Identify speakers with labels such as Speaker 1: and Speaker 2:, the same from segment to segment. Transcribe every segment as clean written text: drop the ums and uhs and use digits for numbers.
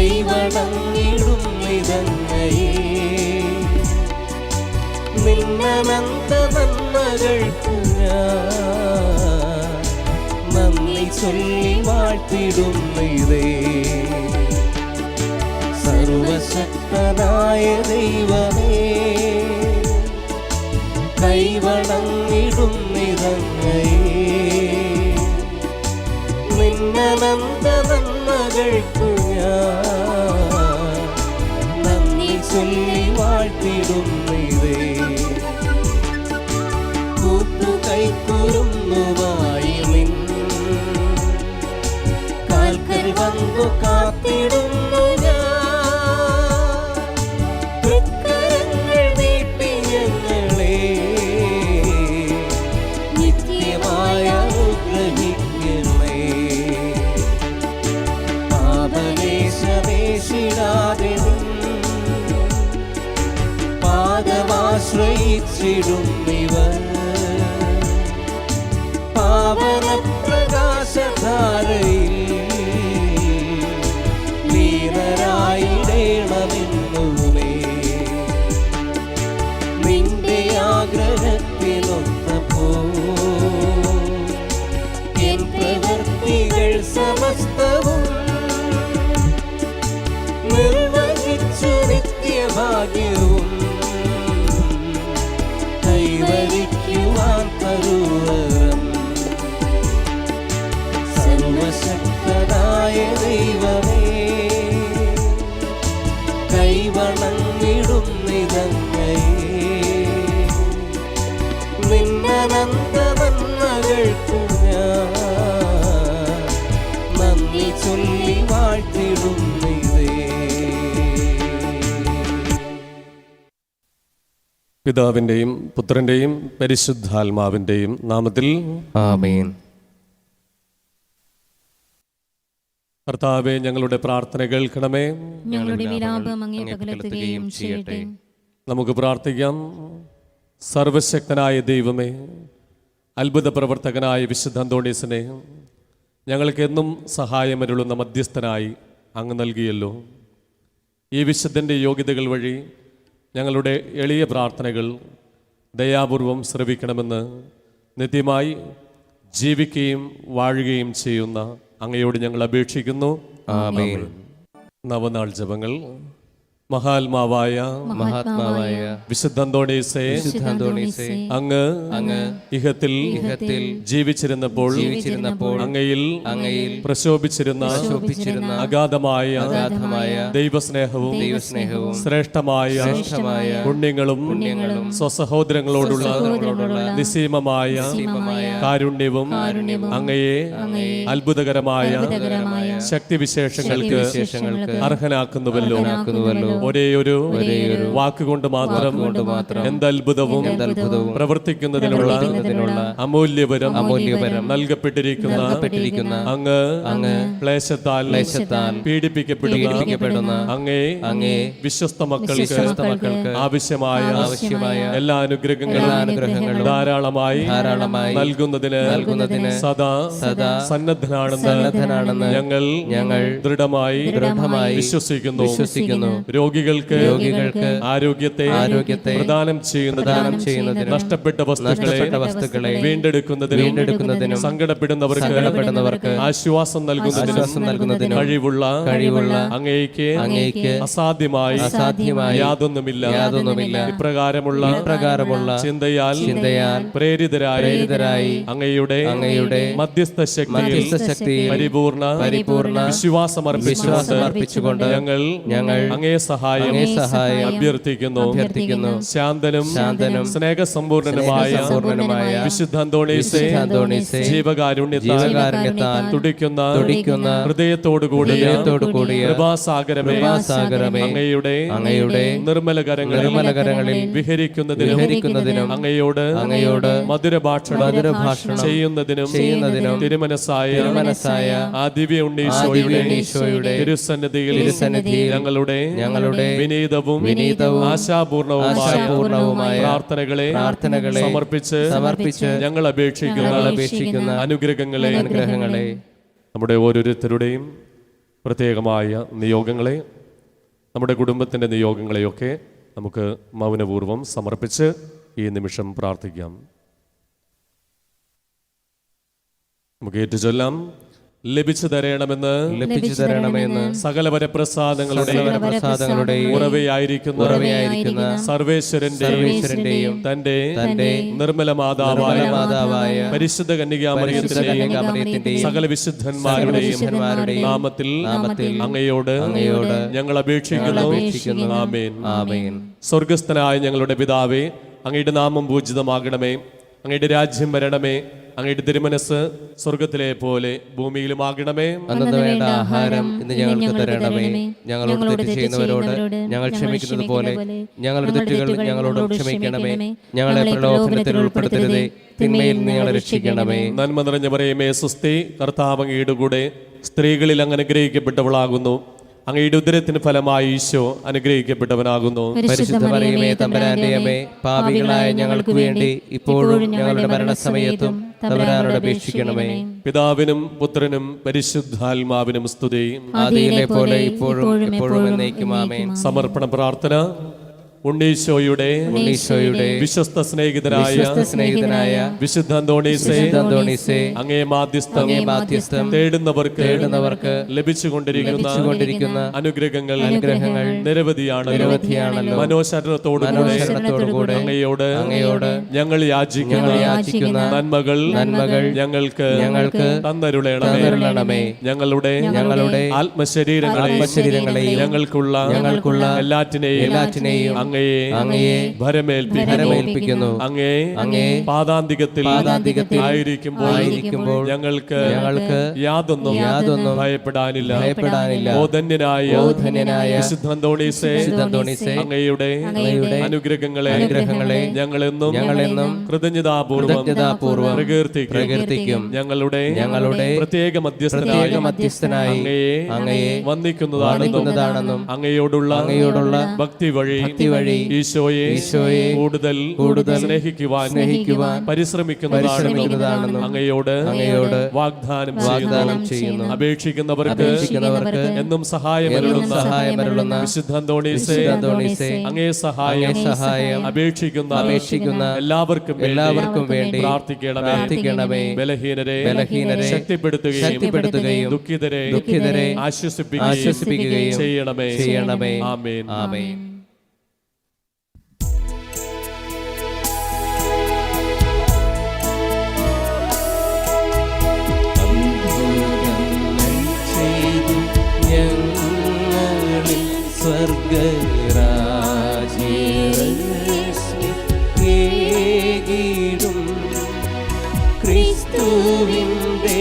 Speaker 1: കൈവണങ്ങിടും നിതങ്ങയെ. നിന്നനന്ത നന്മകൾക്കു ഞാൻ നന്ദി ചൊല്ലി വാഴ്ത്തിടുന്നിതേ. സർവശക്തനായ ദൈവമേ, കൈവണങ്ങിടും നിതങ്ങയെ. നിന്നനന്ത നന്മകൾക്കു ഞാൻ നന്ദി ചൊല്ലി വാഴ്ത്തിടുന്നിതേ. കൂട്ടുകൈക്കുറുന്നുമായി നിൻ കാൽക്കൽ വന്നു കാത്തിടുന്നു ഞാൻ. തൃക്കരങ്ങൾ നീട്ടി ഞങ്ങളെ നിത്യമായ അനുഗ്രഹിക്കണേ. പാപലേശമേശിടാതെ പാദമാശ്രയിച്ചിടുന്നിവർ പാവന പ്രകാശധാരയിൽ ലീനരായിടേണമെന്നുമേ. നിന്റെ ആഗ്രഹത്തിനൊത്തപ്പോ എൻ പ്രവൃത്തികൾ സമസ്തവും നിർവഹിച്ചു നിത്യഭാഗ്യവും കൈവരിക്കുവാൻ തരുവരം. സർവശക്തനായ ദൈവമേ, കൈവണങ്ങിടും നിതങ്ങയെ. നിന്നനന്ത നന്മകൾക്കു ഞാൻ നന്ദി ചൊല്ലി വാഴ്ത്തിടുന്നിതേ.
Speaker 2: പിതാവിൻ്റെയും പുത്രൻ്റെയും പരിശുദ്ധാത്മാവിൻ്റെയും നാമത്തിൽ
Speaker 1: ആമേൻ.
Speaker 2: കർത്താവേ, ഞങ്ങളുടെ പ്രാർത്ഥന കേൾക്കണമേ.
Speaker 3: ഞങ്ങളുടെ വിലാപം അങ്ങേ പകർത്തുകയും ചെയ്യട്ടെ.
Speaker 2: നമുക്ക് പ്രാർത്ഥിക്കാം. സർവശക്തനായ ദൈവമേ, അത്ഭുത പ്രവർത്തകനായ വിശുദ്ധ അന്തോണീസിനെ ഞങ്ങൾക്ക് എന്നും സഹായമരുളുന്ന മധ്യസ്ഥനായി അങ്ങ് നൽകിയല്ലോ. ഈ വിശുദ്ധൻ്റെ യോഗ്യതകൾ വഴി ഞങ്ങളുടെ എളിയ പ്രാർത്ഥനകൾ ദയാപൂർവം ശ്രവിക്കണമെന്ന് നിത്യമായി ജീവിക്കുകയും വാഴുകയും ചെയ്യുന്ന അങ്ങയോട് ഞങ്ങൾ അപേക്ഷിക്കുന്നു.
Speaker 1: ആമേൻ.
Speaker 2: നവനാൾ ജപങ്ങൾ. മഹാത്മാവായ വിശുദ്ധ അന്തോണീസേ, അങ്ങ് ഇഹത്തിൽ ജീവിച്ചിരുന്നപ്പോൾ അങ്ങയിൽ പ്രശോഭിച്ചിരുന്ന അഗാധമായ ദൈവസ്നേഹവും ശ്രേഷ്ഠമായ പുണ്യങ്ങളും സ്വസഹോദരങ്ങളോടുള്ള നിസ്സീമമായ കാരുണ്യവും അങ്ങയെ അത്ഭുതകരമായ ശക്തിവിശേഷങ്ങൾക്ക് അർഹനാക്കുന്നുവല്ലോ. ഒരേയൊരു വാക്കുകൊണ്ട് മാത്രം എന്തത്ഭുതവും പ്രവർത്തിക്കുന്നതിനുള്ള അമൂല്യപരം നൽകപ്പെട്ടിരിക്കുന്ന അങ്ങ് ക്ലേശത്താൽ പീഡിപ്പിക്കപ്പെടുന്ന അങ്ങേ വിശ്വസ്ത മക്കൾക്ക് ആവശ്യമായ എല്ലാ അനുഗ്രഹങ്ങളും ധാരാളമായി നൽകുന്നതിന് സദാ സന്നദ്ധനാണെന്ന് ഞങ്ങൾ ദൃഢമായി വിശ്വസിക്കുന്നു. രോഗികൾക്ക് ആരോഗ്യത്തെ പ്രദാനം ചെയ്യുന്നതിന് നഷ്ടപ്പെട്ട വസ്തുക്കളെ വീണ്ടെടുക്കുന്നതിനും സങ്കടപ്പെടുന്നവർക്ക് ആശ്വാസം നൽകുന്നതിനും കഴിവുള്ള അങ്ങേക്ക് അസാധ്യമായി യാതൊന്നുമില്ല. ഇപ്രകാരമുള്ള ചിന്തയാൽ പ്രേരിതരായി അങ്ങയുടെ മധ്യസ്ഥ ശക്തി പരിപൂർണ വിശ്വാസമർപ്പിച്ചുകൊണ്ട് ഞങ്ങൾ അങ്ങേ സഹായം അഭ്യർത്ഥിക്കുന്നു. ശാന്തനും സ്നേഹസമ്പൂർണനുമായ വിശുദ്ധ അന്തോണീസേ, ജീവകാരുണ്യത്താൽ തുടിക്കുന്ന ഹൃദയത്തോടുകൂടി കൃപാസാഗരമേ, അങ്ങയുടെ നിർമ്മല കരങ്ങളിൽ വിഹരിക്കുന്നതിനും അങ്ങയോട് മധുരഭാഷണം ചെയ്യുന്നതിനും തിരുമനസായ ആ ദിവ്യ ഉണ്ണീശോയുടെ തിരുസന്നിധിയിൽ ഞങ്ങളുടെ വിനീതവും ആശാപൂർണവുമായ പ്രാർത്ഥനകളെ സമർപ്പിച്ച് ഞങ്ങൾ അപേക്ഷിക്കുന്ന അനുഗ്രഹങ്ങളെ നമ്മുടെ ഓരോരുത്തരുടെയും പ്രത്യേകമായ നിയോഗങ്ങളെ, നമ്മുടെ കുടുംബത്തിൻ്റെ നിയോഗങ്ങളെയൊക്കെ നമുക്ക് മൗനപൂർവ്വം സമർപ്പിച്ച് ഈ നിമിഷം പ്രാർത്ഥിക്കാം. നമുക്ക് ഏറ്റുചൊല്ലാം. ലഭിച്ചു തരണമെന്ന് സകല വരപ്രസാദങ്ങളുടെ ഉറവയായിരിക്കുന്ന സർവേശ്വരന്റെയും തന്റെ നിർമ്മല മാതാവായ പരിശുദ്ധ കന്യകാമറിയത്തിന്റെയും സകല വിശുദ്ധന്മാരുടെയും നാമത്തിൽ അങ്ങയോട് ഞങ്ങൾ അപേക്ഷിക്കുന്നു. ആമേൻ. സ്വർഗസ്ഥനായ ഞങ്ങളുടെ പിതാവേ, അങ്ങയുടെ നാമം പൂജിതമാകണമേ, അങ്ങയുടെ രാജ്യം വരണമേ, അങ്ങയുടെ തിരുമനസ് സ്വർഗത്തിലെ പോലെ ഭൂമിയിലുമാകണമേ.
Speaker 1: അന്നു വേണ്ട ആഹാരം ഇന്ന് ഞങ്ങൾക്ക് തരണമേ. ഞങ്ങളോട് തെറ്റ് ചെയ്യുന്നവരോട് ഞങ്ങൾ ക്ഷമിക്കുന്നത് പോലെ ഞങ്ങളുടെ തെറ്റുകൾ ഞങ്ങളോട് ക്ഷമിക്കണമേ. ഞങ്ങളെ പ്രലോഭനത്തിൽ ഉൾപ്പെടുത്തരുതേ, തിന്മയിൽ നിന്ന് ഞങ്ങളെ രക്ഷിക്കണമേ.
Speaker 2: നന്മ നിറഞ്ഞ മറിയമേ സ്വസ്തി, കർത്താവ് അങ്ങയുടെ കൂടെ സ്ത്രീകളിൽ അങ്ങ് അനുഗ്രഹിക്കപ്പെട്ടവളാകുന്നു. അങ്ങയുടെ ഉദരത്തിന് ഫലമായി ഈശോ അനുഗ്രഹിക്കപ്പെട്ടവനാകുന്നു.
Speaker 1: പരിശുദ്ധ മറിയമേ തമ്പുരാന്റെ അമ്മേ, പാപികളായ ഞങ്ങൾക്ക് വേണ്ടി ഇപ്പോഴും ഞങ്ങളുടെ മരണസമയത്തും തമ്പുരാനോട് അപേക്ഷിക്കണമേ.
Speaker 2: പിതാവിനും പുത്രനും പരിശുദ്ധാത്മാവിനും സ്തുതി,
Speaker 1: ആദിയിലെ പോലെ ഇപ്പോഴും എപ്പോഴും എന്നേക്കും. ആമേൻ.
Speaker 2: സമർപ്പണ പ്രാർത്ഥന. ഉണ്ണീശോയുടെ വിശ്വസ്ത സ്നേഹിതനായ വിശുദ്ധ അന്തോണീസേ, അങ്ങേ മാധ്യസ്ഥം തേടുന്നവർക്ക് ലഭിച്ചുകൊണ്ടിരിക്കുന്ന അനുഗ്രഹങ്ങൾ നിരവധിയാണല്ലോ. മനോശരണത്തോടുകൂടെ അങ്ങയോട് ഞങ്ങൾ യാചിക്കുന്ന നന്മകൾ ഞങ്ങൾക്ക് തന്നരുളണമേ. ഞങ്ങളുടെ ആത്മശരീരങ്ങളെയും ഞങ്ങൾക്കുള്ള എല്ലാറ്റിനെയും അങ്ങയെ ഭരമേൽപ്പിക്കുന്നു. അങ്ങേ പാദാന്തികത്തിൽ ആയിരിക്കുമ്പോൾ ഞങ്ങൾക്ക് യാതൊന്നും ഭയപ്പെടാനില്ല. ഓ ധന്യനായ വിശുദ്ധ അന്തോണീസേ, അങ്ങയുടെ അനുഗ്രഹങ്ങളെ ഞങ്ങളെന്നും കൃതജ്ഞതാപൂർവം പ്രകീർത്തിക്കും. ഞങ്ങളുടെ പ്രത്യേക മധ്യസ്ഥനായി അങ്ങയെ വന്ദിക്കുന്നതാണെന്നും അങ്ങയോടുള്ള ഭക്തി വഴി ഈശോയെ കൂടുതൽ സ്നേഹിക്കുവാൻ പരിശ്രമിക്കുന്നതാണെന്നും അങ്ങയോട് വാഗ്ദാനം ചെയ്യുന്നു. അപേക്ഷിക്കുന്നവർക്ക് എന്നും സഹായമരുളുന്ന വിശുദ്ധ അന്തോണീസേ, അങ്ങേ സഹായം അപേക്ഷിക്കുന്ന എല്ലാവർക്കും വേണ്ടി പ്രാർത്ഥിക്കണമേ. ബലഹീനരെ ശക്തിപ്പെടുത്തുകയും ദുഃഖിതരെ ആശ്വസിപ്പിക്കുകയും ചെയ്യണമേ. ആമേൻ.
Speaker 1: സ്വർഗരാജ്യം ക്രിസ്തുവിന്റെ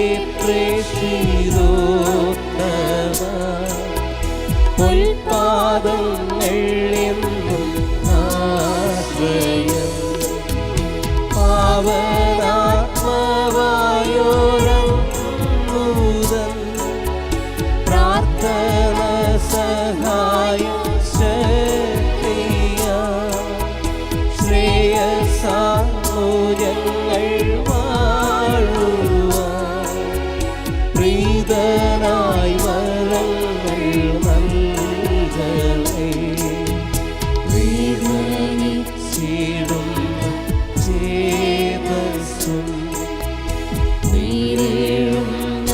Speaker 1: പ്രേഷിതോത്തമ പൊൽപാദങ്ങൾ എന്നും ആശ്രയം പാവനാത്മവായോരൂതൻ പ്രാർത്ഥന സഹായം ശക്തിയ ശ്രേയസാമൂല്യങ്ങൾ വാഴുവാൻ പ്രീതനായി വരങ്ങൾ നൽകണേ. വേദനിച്ചിടും ചേതസ്സും നീരേഴുന്ന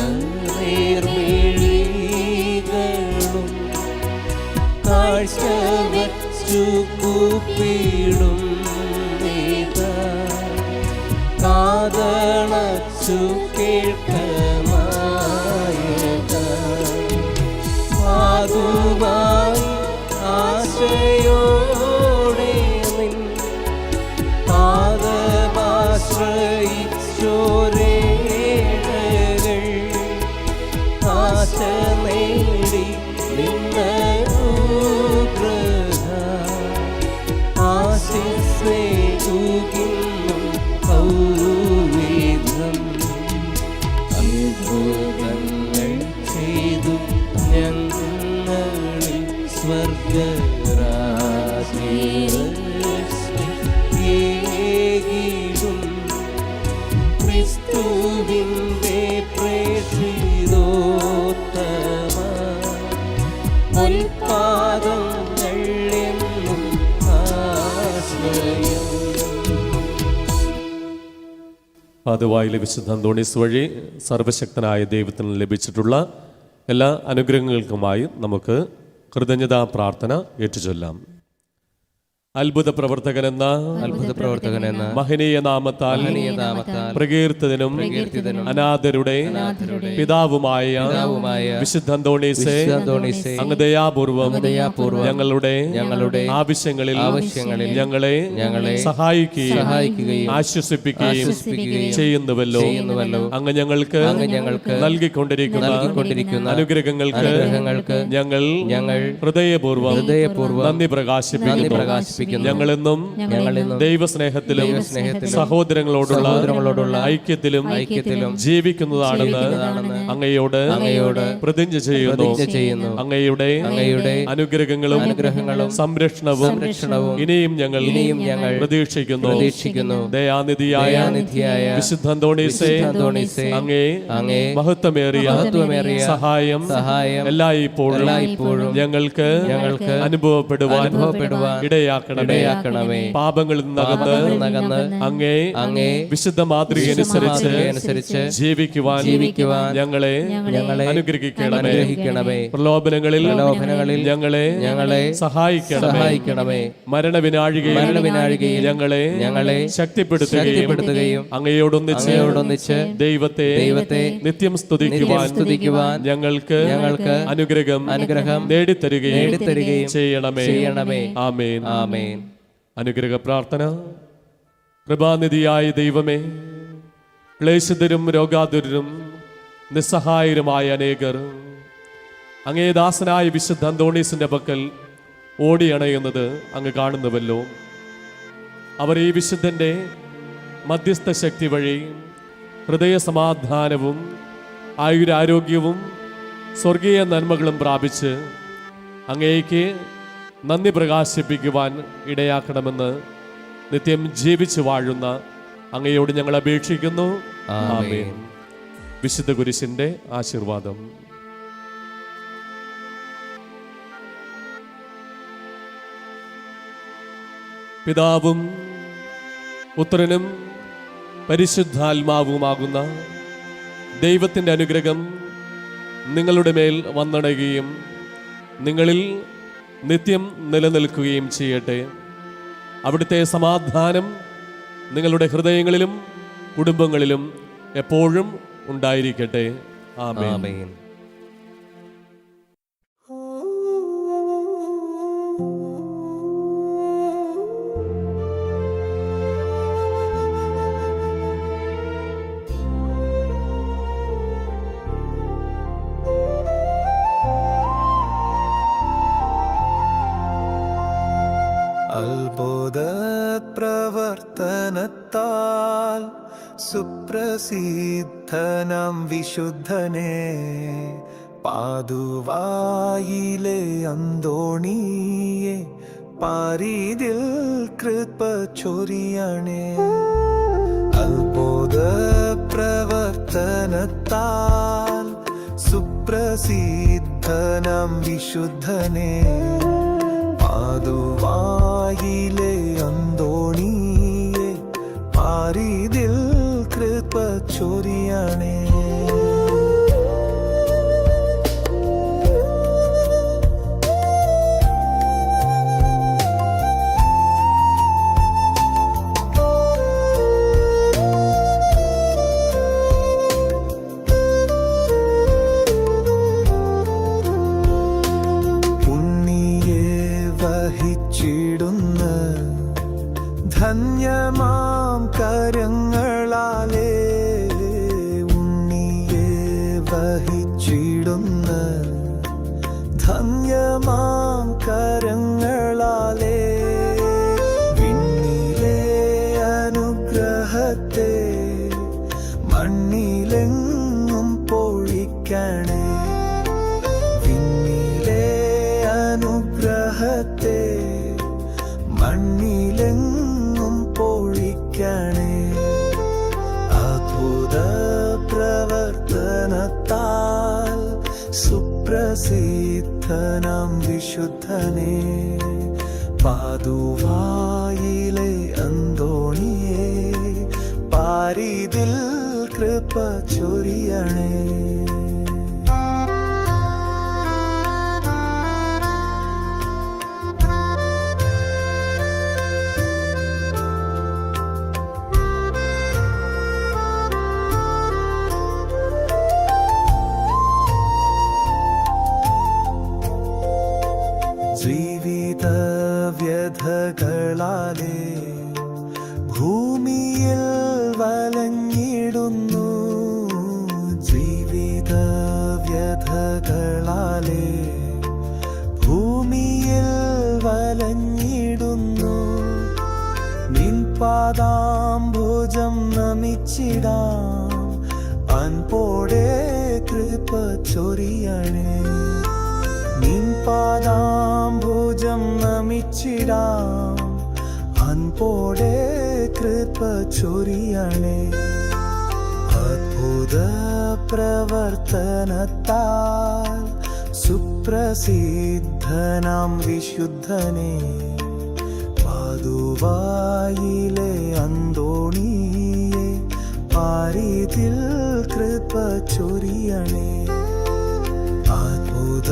Speaker 1: നേർമിഴികളും കാഴ്ച വച്ചു കൂപ്പിടും കാതണച്ചു കേൾക്കമായക പാതുവായി ആശയോടെ നിൻ പാദമാശ്രയിച്ചോരേഴകൾ ആശ നേടി നിന്നനുഗ്രഹ ആശിസ്സേകുകിന്നും ൗവിധം അത്ഭുതങ്ങൾ ചെയ്തു ഞങ്ങളിൽ സ്വർഗരാജ്യം ക്രിസ്തുവിന്റെ പ്രേഷിതോത്തമ പൊൽപാദങ്ങൾ എന്നും ആശ്രയം.
Speaker 2: പാതുവായിലെ വിശുദ്ധ അന്തോണീസ് വഴി സർവശക്തനായ ദൈവത്തിന് ലഭിച്ചിട്ടുള്ള എല്ലാ അനുഗ്രഹങ്ങൾക്കുമായി നമുക്ക് കൃതജ്ഞതാ പ്രാർത്ഥന ഏറ്റുചൊല്ലാം. അത്ഭുത പ്രവർത്തകനെന്ന മഹനീയ നാമത്താൽ പ്രകീർത്തിതനും അനാഥരുടെ പിതാവുമായ വിശുദ്ധ അന്തോണീസേ, അങ്ങ് ദയാപൂർവം ഞങ്ങളുടെ ആവശ്യങ്ങളിൽ ഞങ്ങളെ സഹായിക്കുകയും ആശ്വസിപ്പിക്കുകയും ചെയ്യുന്നുവല്ലോ. അങ്ങ് ഞങ്ങൾക്ക് നൽകിക്കൊണ്ടിരിക്കുന്ന അനുഗ്രഹങ്ങൾക്ക് ഞങ്ങൾ ഹൃദയപൂർവ്വം നന്ദി പ്രകാശിപ്പിക്കുന്നു. ഞങ്ങളെന്നും ദൈവസ്നേഹത്തിലും സഹോദരങ്ങളോടുള്ള ഐക്യത്തിലും ജീവിക്കുന്നതാണെന്ന് അങ്ങയോട് പ്രതിജ്ഞ ചെയ്യുന്നു. അങ്ങയുടെ അനുഗ്രഹങ്ങളും സംരക്ഷണവും ഇനിയും ഞങ്ങൾ പ്രതീക്ഷിക്കുന്നു. ദയാനിധിയായ വിശുദ്ധ അന്തോണീസേ, അങ്ങേ മഹത്വമേറിയ സഹായം എല്ലായ്പ്പോഴും ഞങ്ങൾക്ക് അനുഭവപ്പെടുവാൻ ഇടയാക്കണമേ. പാപങ്ങളിൽ നിന്നകന്ന് അങ്ങേ വിശുദ്ധ മാതൃകയനുസരിച്ച് ജീവിക്കുവാൻ ഞങ്ങളെ അനുഗ്രഹിക്കണമേ. പ്രലോഭനങ്ങളിൽ ഞങ്ങളെ സഹായിക്കണമേ. മരണവിനാഴികയിൽ ഞങ്ങളെ ശക്തിപ്പെടുത്തുകയും അങ്ങയോടൊന്നിച്ച് ദൈവത്തെ നിത്യം സ്തുതിക്കുവാൻ ഞങ്ങൾക്ക് അനുഗ്രഹം നേടിത്തരുകയും ചെയ്യണമേ. ആമേൻ. അനുഗ്രഹ പ്രാർത്ഥന. കൃപാനിധിയായ ദൈവമേ, ക്ലേശിതരും രോഗാതുരരും നിസ്സഹായരുമായ അനേകർ അങ്ങേ ദാസനായ വിശുദ്ധ അന്തോണീസിന്റെ പക്കൽ ഓടിയണയുന്നത് അങ്ങ് കാണുന്നുവല്ലോ. അവർ ഈ വിശുദ്ധന്റെ മധ്യസ്ഥ ശക്തി വഴി ഹൃദയ സമാധാനവും ആയുരാരോഗ്യവും സ്വർഗീയ നന്മകളും പ്രാപിച്ച് അങ്ങേക്ക് നന്ദി പ്രകാശിപ്പിക്കുവാൻ ഇടയാക്കണമെന്ന് നിത്യം ജീവിച്ചു വാഴുന്ന അങ്ങയോട് ഞങ്ങൾ അപേക്ഷിക്കുന്നു. ആമേൻ. വിശുദ്ധ കുരിശിന്റെ ആശീർവാദം. പിതാവും പുത്രനും പരിശുദ്ധാത്മാവുമാകുന്ന ദൈവത്തിൻ്റെ അനുഗ്രഹം നിങ്ങളുടെ മേൽ വന്നണയുകയും നിങ്ങളിൽ നിത്യം നിലനിൽക്കുകയും ചെയ്യട്ടെ. അവിടുത്തെ സമാധാനം നിങ്ങളുടെ ഹൃദയങ്ങളിലും കുടുംബങ്ങളിലും എപ്പോഴും ഉണ്ടായിരിക്കട്ടെ. ആമേൻ.
Speaker 4: അത്ഭുത പ്രവർത്തനത്താൽ സുപ്രസിദ്ധനാം വിശുദ്ധനെ പാതുവായിലെ അന്തോണിയെ പാരിതിൽ കൃപ ചൊരിയണേ. അത്ഭുത പ്രവർത്തനത്താൽ സുപ്രസിദ്ധനാം വിശുദ്ധനെ പാതുവായിലെ അന്തോണിയെ പാരിതിൽ കൃപ ചൊരിയണേ. ധന്യമാം കരങ്ങളാലേ ഉണ്ണിയെ വഹിച്ചിടുന്ന ധന്യമാം കരങ്ങളാലേ വിണ്ണിലെ അനുഗ്രഹത്തെ മണ്ണിലെങ്ങും പൊഴിക്കണേ. വിണ്ണിലെ അനുഗ്രഹത്തെ മണ്ണിലെങ്ങും പൊഴിക്കണേ. അത്ഭുത പ്രവർത്തനത്താൽ സുപ്രസിദ്ധ പ്രസിദ്ധനാം വിശുദ്ധനെ പാതുവായിലെ അന്തോണിയെ പാരിതിൽ കൃപ ചൊരിയണേ. ജീവിത വ്യഥകളാലേ ഭൂമിയിൽ വലഞ്ഞിടുന്നു. ജീവിത വ്യഥകളാലേ ഭൂമിയിൽ വലഞ്ഞിടുന്നു. നിൻ പാദാംബുജം നമിച്ചിടാം അൻപോടെ കൃപ ചൊരിയണേ. നിൻ പാദാംബുജം നമിച്ചിടാം അൻപോടെ കൃപ ചൊരിയണേ. അത്ഭുത പ്രവർത്തനത്താൽ സുപ്രസിദ്ധനാം വിശുദ്ധനെ പാതുവായിലെ അന്തോണിയെ പാരിതിൽ കൃപ ചൊരിയണേ. അത്ഭുത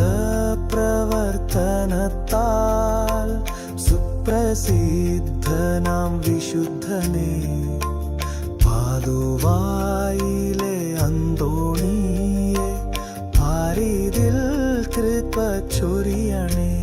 Speaker 4: പ്രവർത്തനത്താൽ സുപ്രസിദ്ധനാം വിശുദ്ധനെ പാതുവായിലെ അന്തോണിയെ പാരിതിൽ കൃപ ചൊരിയണേ.